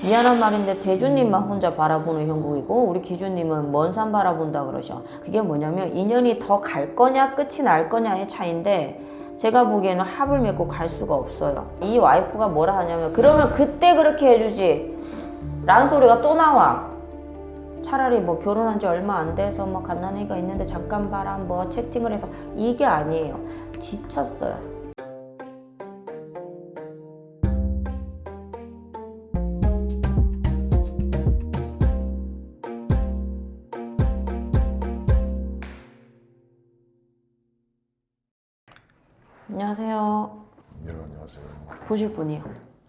미안한 말인데 대주님만 혼자 바라보는 형국이고 우리 기주님은 먼 산 바라본다 그러셔. 그게 뭐냐면 인연이 더 갈 거냐 끝이 날 거냐의 차이인데 제가 보기에는 합을 맺고 갈 수가 없어요. 이 와이프가 뭐라 하냐면 그러면 그때 그렇게 해주지 라는 소리가 또 나와. 차라리 뭐 결혼한 지 얼마 안 돼서 뭐 갓난아기가 있는데 잠깐 봐라 뭐 채팅을 해서 이게 아니에요. 지쳤어요. 안녕하세요. 네, 안녕하세요. 보실 분이요.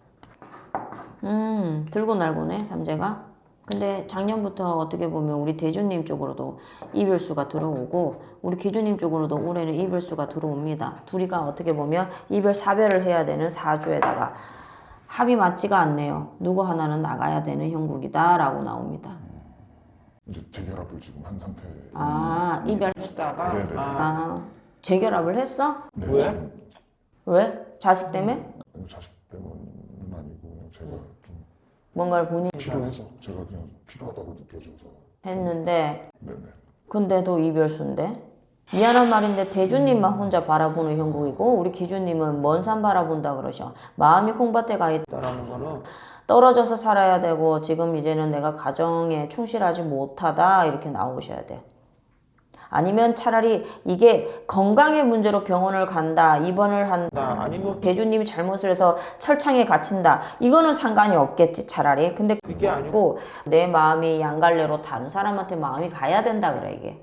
들고 날고네 삼재가. 근데 작년부터 어떻게 보면 우리 대주님 쪽으로도 이별수가 들어오고 우리 기주님 쪽으로도 올해는 이별수가 들어옵니다. 둘이가 어떻게 보면 이별 사별을 해야 되는 사주에다가 합이 맞지가 않네요. 누구 하나는 나가야 되는 형국이다 라고 나옵니다. 이제 재결합을 지금 한 상태. 아 이별 했다가 네네. 재결합을 했어? 네, 왜? 지금 왜? 자식 때문에? 자식 때문은 아니고 제가 좀 뭔가를 본인이 필요해서 제가 그냥 필요하다고 느껴져서. 했는데 네네. 근데도 이별수인데? 미안한 말인데 대주님만 혼자 바라보는 형국이고 우리 기주님은 먼 산 바라본다 그러셔. 마음이 콩밭에 가 있다라는 거는 떨어져서 살아야 되고 지금 이제는 내가 가정에 충실하지 못하다 이렇게 나오셔야 돼요. 아니면 차라리 이게 건강의 문제로 병원을 간다, 입원을 한다, 아니면 대주님이 잘못을 해서 철창에 갇힌다. 이거는 상관이 없겠지 차라리. 근데 그게 아니고 내 마음이 양갈래로 다른 사람한테 마음이 가야 된다 그래 이게.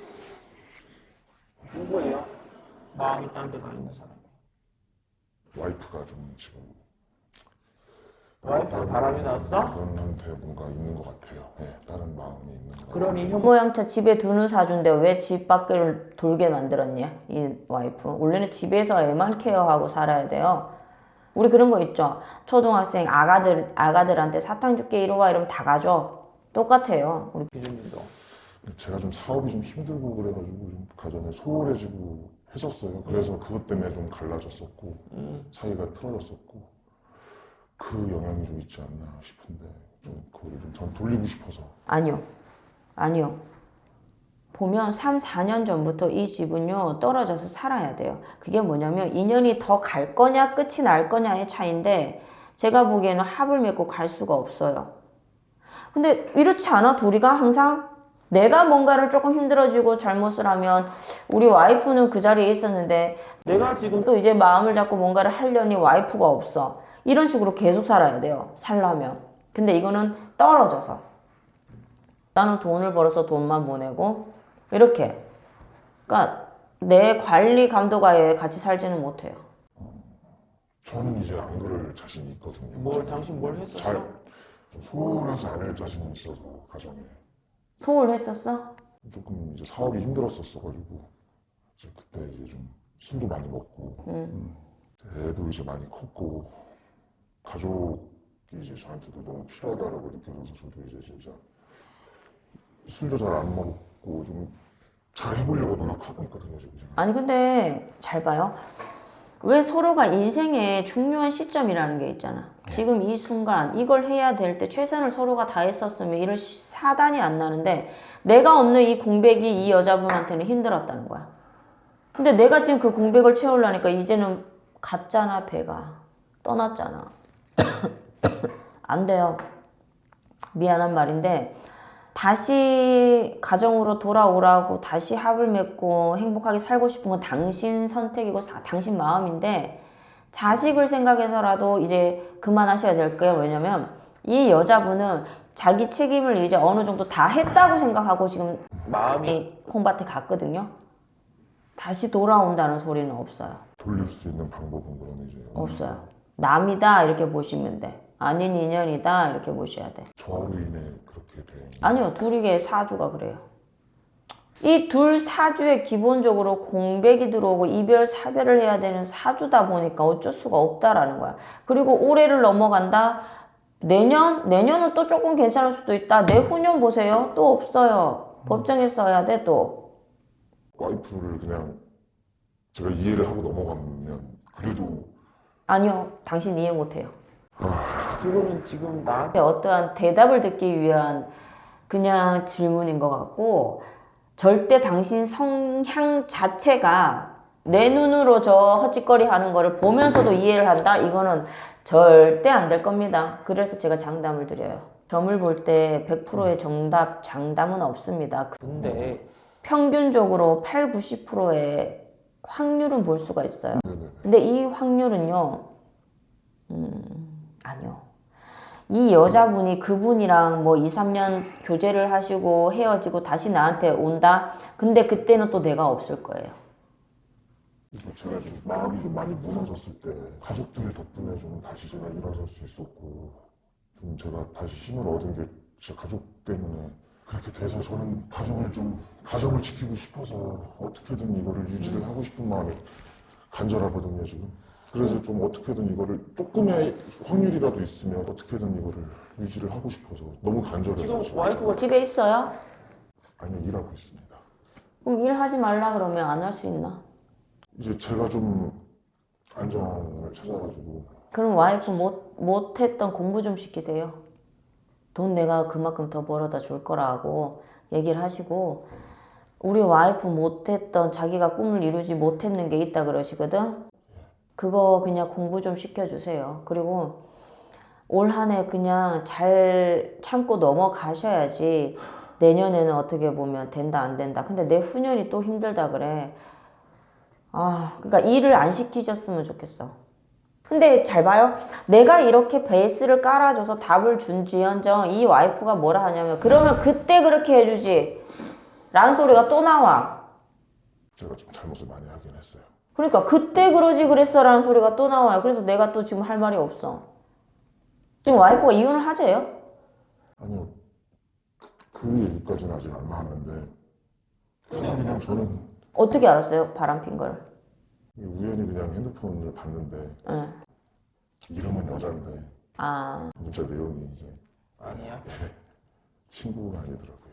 누구예요? 마음이 딴 데 가 있는 사람. 와이프가 좀 지금 와이프 바람이 났어? 그분한테 뭔가 있는 것 같아요. 네, 다른 마음이 있는 것 같아요. 그러니 형 모양차 집에 두는 사주인데 왜 집 밖을 돌게 만들었냐 이 와이프. 원래는 집에서 애만 케어하고 살아야 돼요. 우리 그런 거 있죠. 초등학생 아가들한테 사탕 줄게 이리 와 이러면 다 가져. 똑같아요. 우리 기준님도 제가 좀 사업이 좀 힘들고 그래가지고 좀 가정에 소홀해지고 했었어요. 그래서 그것 때문에 좀 갈라졌었고 사이가 틀어졌었고 그 영향이 좀 있지 않나 싶은데 좀 그거를 좀 전 돌리고 싶어서. 아니요. 보면 3, 4년 전부터 이 집은요 떨어져서 살아야 돼요. 그게 뭐냐면 인연이 더 갈 거냐 끝이 날 거냐의 차이인데 제가 보기에는 합을 맺고 갈 수가 없어요. 근데 이렇지 않아? 둘이가 항상 내가 뭔가를 조금 힘들어지고 잘못을 하면 우리 와이프는 그 자리에 있었는데 내가 지금 또 이제 마음을 잡고 뭔가를 하려니 와이프가 없어. 이런 식으로 계속 살아야 돼요. 살려면. 근데 이거는 떨어져서 나는 돈을 벌어서 돈만 보내고 이렇게. 그러니까 내 관리 감독하에 같이 살지는 못해요. 저는 이제 안 그럴 자신이 있거든요. 뭘 당신 뭘 했었어? 잘 좀 소홀하지 않을 자신이 있어서 가정에 소홀했었어? 조금 이제 사업이 힘들었었어가지고 이제 그때 이제 좀 술도 많이 먹고 애도 이제 많이 컸고 가족이 이제 저한테도 너무 필요하다라고 느껴져서 저도 이제 진짜 술도 잘 안 먹고 좀 잘 해보려고 노력하고 있거든요 지금. 아니 근데 잘 봐요. 왜 서로가 인생의 중요한 시점이라는 게 있잖아. 지금 이 순간 이걸 해야 될 때 최선을 서로가 다했었으면 이런 사단이 안 나는데 내가 없는 이 공백이 이 여자분한테는 힘들었다는 거야. 근데 내가 지금 그 공백을 채우려니까 이제는 갔잖아. 배가 떠났잖아. 안 돼요. 미안한 말인데 다시 가정으로 돌아오라고 다시 합을 맺고 행복하게 살고 싶은 건 당신 선택이고 당신 마음인데 자식을 생각해서라도 이제 그만하셔야 될 거예요. 왜냐면 이 여자분은 자기 책임을 이제 어느 정도 다 했다고 생각하고 지금 마음이 콩밭에 갔거든요. 다시 돌아온다는 소리는 없어요. 돌릴 수 있는 방법은 그러면 이제 없어요. 남이다 이렇게 보시면 돼. 아닌 인연이다 이렇게 보셔야 돼. 저로 인해 그렇게 된. 아니요. 둘이게 사주가 그래요. 이 둘 사주에 기본적으로 공백이 들어오고 이별 사별을 해야 되는 사주다 보니까 어쩔 수가 없다라는 거야. 그리고 올해를 넘어간다. 내년은 또 조금 괜찮을 수도 있다. 내후년 보세요. 또 없어요. 법정에 써야 돼 또. 와이프를 그냥 제가 이해를 하고 넘어가면 그래도 아니요. 당신 이해 못해요. 그거는 지금 나한테 어떠한 대답을 듣기 위한 그냥 질문인 것 같고 절대 당신 성향 자체가 내 눈으로 저 헛짓거리 하는 거를 보면서도 이해를 한다? 이거는 절대 안 될 겁니다. 그래서 제가 장담을 드려요. 점을 볼 때 100%의 정답, 장담은 없습니다. 근데 평균적으로 8, 90%의 확률은 볼 수가 있어요. 네네. 근데 이 확률은요, 아니요. 이 여자분이 그분이랑 뭐 2, 3년 교제를 하시고 헤어지고 다시 나한테 온다? 근데 그때는 또 내가 없을 거예요. 이게 제가 좀 마음이 좀 많이 무너졌을 때 가족들 덕분에 좀 다시 제가 일어설 수 있었고 좀 제가 다시 힘을 얻은 게 제 가족 때문에 그렇게 돼서 저는 가정을 지키고 싶어서 어떻게든 이거를 유지를 하고 싶은 마음이 간절하거든요 지금. 그래서 좀 어떻게든 이거를 조금의 확률이라도 있으면 어떻게든 이거를 유지를 하고 싶어서 너무 간절해요. 지금 와이프가 집에 있어요? 아니요, 일하고 있습니다. 그럼 일하지 말라 그러면 안 할 수 있나? 이제 제가 좀 안정을 찾아가지고 그럼 와이프 못했던 공부 좀 시키세요. 돈 내가 그만큼 더 벌어다 줄 거라고 얘기를 하시고 우리 와이프 못했던 자기가 꿈을 이루지 못했는 게 있다 그러시거든. 그거 그냥 공부 좀 시켜주세요. 그리고 올 한 해 그냥 잘 참고 넘어가셔야지 내년에는 어떻게 보면 된다 안 된다. 근데 내후년이 또 힘들다 그래. 그러니까 일을 안 시키셨으면 좋겠어. 근데 잘 봐요. 내가 이렇게 베이스를 깔아줘서 답을 준지언정 이 와이프가 뭐라 하냐면 그러면 그때 그렇게 해주지 라는 소리가 또 나와. 제가 좀 잘못을 많이 하긴 했어요. 그러니까 그때 그러지 그랬어 라는 소리가 또 나와요. 그래서 내가 또 지금 할 말이 없어. 지금 와이프가 이혼을 하재요? 아니요, 그 얘기까지는 아직 안 나왔는데 그냥 저는 어떻게 알았어요? 바람핀 걸. 우연히 그냥 핸드폰을 봤는데 응. 이름은 여잔데 문자 내용이 이제 아니야. 친구가 아니더라고요.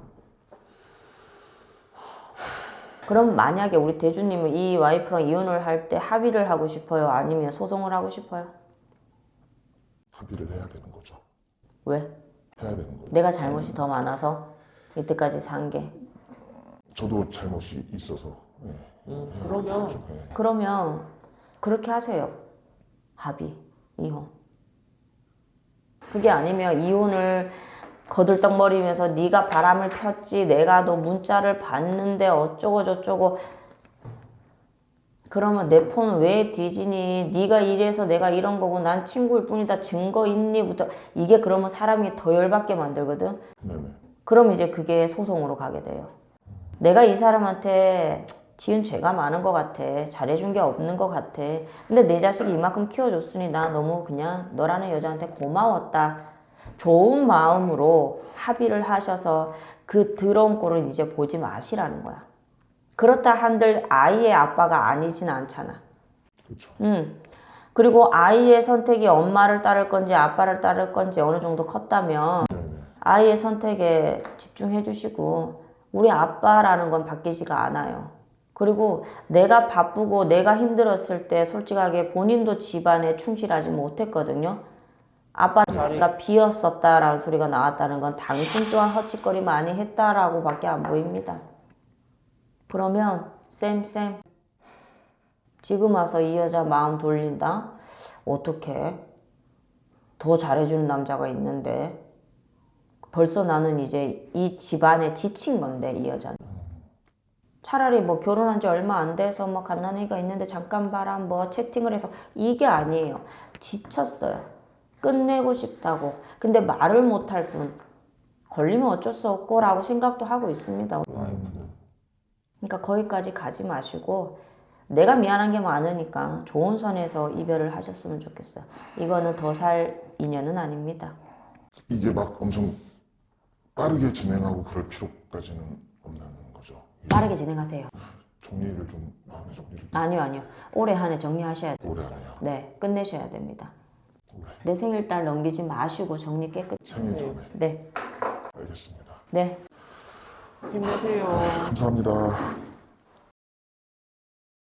그럼 만약에 우리 대주님은 이 와이프랑 이혼을 할 때 합의를 하고 싶어요? 아니면 소송을 하고 싶어요? 합의를 해야 되는 거죠. 왜? 해야 되는 거죠. 내가 잘못이 더 많아서 이때까지 산 게. 저도 잘못이 있어서. 그러면 그러면 그렇게 하세요. 합의, 이혼. 그게 아니면 이혼을 거들떡거리면서 네가 바람을 폈지 내가 너 문자를 봤는데 어쩌고 저쩌고 그러면 내 폰 왜 뒤지니? 네가 이래서 내가 이런 거고 난 친구일 뿐이다. 증거 있니?부터 이게 그러면 사람이 더 열받게 만들거든. 네네. 그럼 이제 그게 소송으로 가게 돼요. 내가 이 사람한테 지은 죄가 많은 것 같아. 잘해준 게 없는 것 같아. 근데 내 자식이 이만큼 키워줬으니 나 너무 그냥 너라는 여자한테 고마웠다. 좋은 마음으로 합의를 하셔서 그 더러운 꼴을 이제 보지 마시라는 거야. 그렇다 한들 아이의 아빠가 아니진 않잖아. 그렇죠. 그리고 아이의 선택이 엄마를 따를 건지 아빠를 따를 건지 어느 정도 컸다면 네네. 아이의 선택에 집중해 주시고 우리 아빠라는 건 바뀌지가 않아요. 그리고 내가 바쁘고 내가 힘들었을 때 솔직하게 본인도 집안에 충실하지 못했거든요. 아빠 자리가 비었었다라는 소리가 나왔다는 건 당신 또한 헛짓거리 많이 했다라고 밖에 안 보입니다. 그러면 쌤 지금 와서 이 여자 마음 돌린다? 어떻게? 더 잘해주는 남자가 있는데 벌써 나는 이제 이 집안에 지친 건데 이 여자는 차라리 뭐 결혼한 지 얼마 안 돼서 뭐 갓난아기가 있는데 잠깐 봐라 뭐 채팅을 해서 이게 아니에요. 지쳤어요. 끝내고 싶다고. 근데 말을 못할 뿐 걸리면 어쩔 수 없고 라고 생각도 하고 있습니다. 그러니까 거기까지 가지 마시고 내가 미안한 게 많으니까 좋은 선에서 이별을 하셨으면 좋겠어요. 이거는 더 살 인연은 아닙니다. 이게 막 엄청 빠르게 진행하고 그럴 필요까지는 없는 거죠. 빠르게 진행하세요. 정리를 좀 마음의 정리를 아니요. 올해 한 해 정리하셔야 돼요. 오래 하네요. 네, 끝내셔야 됩니다. 올해 내 생일달 넘기지 마시고 정리 깨끗이. 생일 전에. 네, 알겠습니다. 힘내세요. 감사합니다.